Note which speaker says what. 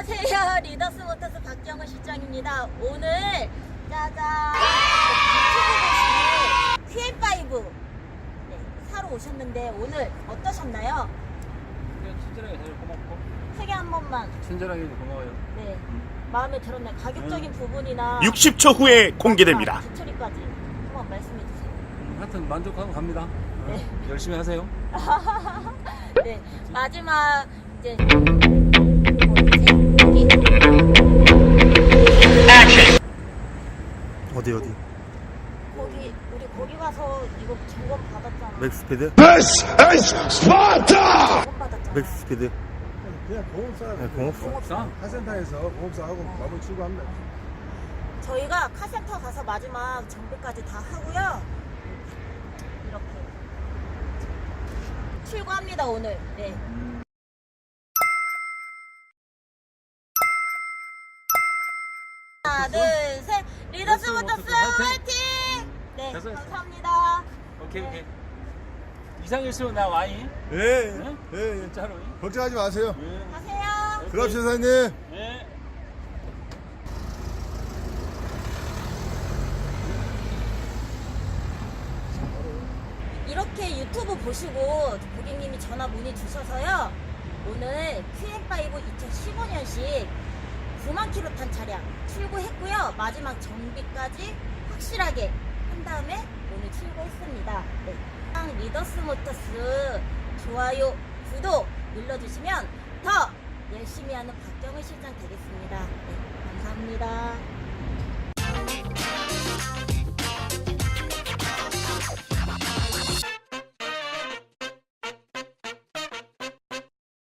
Speaker 1: 안녕하세요. 리더스 모터스 박경은 실장입니다. 오늘 짜잔 유튜브 보시는 QM5 사러 오셨는데 오늘 어떠셨나요?
Speaker 2: 그냥 친절하게 잘 고맙고
Speaker 1: 소개 한 번만.
Speaker 2: 친절하게 고마워요.
Speaker 1: 네, 마음에 들었나요? 가격적인 부분이나
Speaker 3: 60초 후에 공개됩니다.
Speaker 1: 기초리까지 한번 말씀해 주세요.
Speaker 2: 하여튼 만족하고 갑니다.
Speaker 1: 네.
Speaker 2: 열심히 하세요.
Speaker 1: 네, 마지막 이제
Speaker 4: 어디
Speaker 1: 거기 우리 거기 가서 이거 점검 받았잖아.
Speaker 4: 맥스피드?
Speaker 3: This is Sparta!
Speaker 1: 점검 받았잖아.
Speaker 4: 맥스피드?
Speaker 5: 그냥 공업사
Speaker 4: 네, 공업사.
Speaker 2: 싸.
Speaker 5: 카센터에서 공업사하고 마무리 출고합니다.
Speaker 1: 저희가 카센터 가서 마지막 정비까지 다 하고요. 이렇게 출고합니다 오늘. 네. 하나, 둘, 셋. 리더스 모터스 화이팅! 네,
Speaker 2: 됐어요.
Speaker 1: 감사합니다.
Speaker 2: 오케이
Speaker 1: 네.
Speaker 2: 오케이. 이상 있으면 나 와잉.
Speaker 5: 예,
Speaker 2: 네?
Speaker 5: 예, 예.
Speaker 2: 진짜로.
Speaker 5: 걱정하지 마세요.
Speaker 2: 네.
Speaker 1: 가세요.
Speaker 5: 들어갑시다, 사장님.
Speaker 2: 네.
Speaker 1: 이렇게 유튜브 보시고 고객님이 전화 문의 주셔서요. 오늘 QM5 2015년식 9만 킬로 탄 차량 출고했고요. 마지막 정비까지 확실하게 한 다음에 오늘 출고했습니다. 네. 리더스 모터스 좋아요, 구독 눌러주시면 더 열심히 하는 박경은 실장 되겠습니다. 네, 감사합니다.